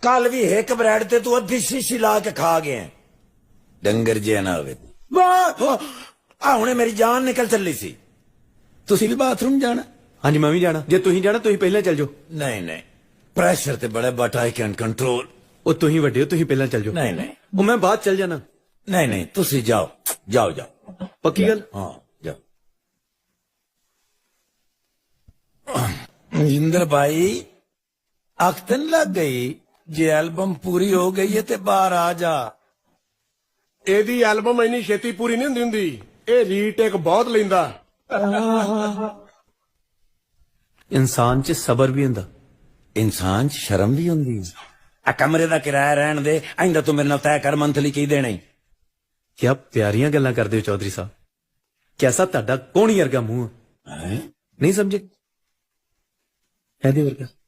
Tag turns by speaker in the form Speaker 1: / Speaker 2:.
Speaker 1: कल भी एक ब्रेड ते तू अद्धी शीशी ला के खा गए डंगर जे ना होवे हुणे मेरी जान निकल चली सी तुसी भी बाथरूम जाना
Speaker 2: हाँ जी मैं भी जाना जे तुही जाना तुही पहले चल जाओ
Speaker 1: नहीं नहीं प्रेशर ते बड़े बट आई कैन कंट्रोल
Speaker 2: ओ तुही वड्डे हो तुही पहले चल जाओ
Speaker 1: नहीं नहीं
Speaker 2: ओ मैं बाद चल जाना
Speaker 1: नहीं नहीं तुसी जाओ जाओ जाओ
Speaker 2: पक्की गल
Speaker 1: हाँ जाओ मजिंदर भाई अख्तन लग गई जे एल्बम पूरी हो गई है ते बाहर आ जा
Speaker 3: ਇਹਦੀ ਐਲਬਮ ਇੰਨੀ ਛੇਤੀ ਪੂਰੀ ਨਹੀਂ ਹੁੰਦੀ ਇਹ ਰੀਟੇਕ ਬਹੁਤ ਲੈਂਦਾ
Speaker 2: इंसान च सबर भी हुंदा
Speaker 1: इंसान च शर्म भी होंदी आ कमरे दा किराया रहन दे आइंदा तू मेरे नाल तय कर मंथली की देना ही
Speaker 2: क्या प्यारियां गल्लां करदे हो चौधरी साहब कैसा ਤੁਹਾਡਾ ਕੋਣੀ ਵਰਗਾ ਮੂੰਹ
Speaker 1: हैं?
Speaker 2: नहीं समझे ऐदे वर्गा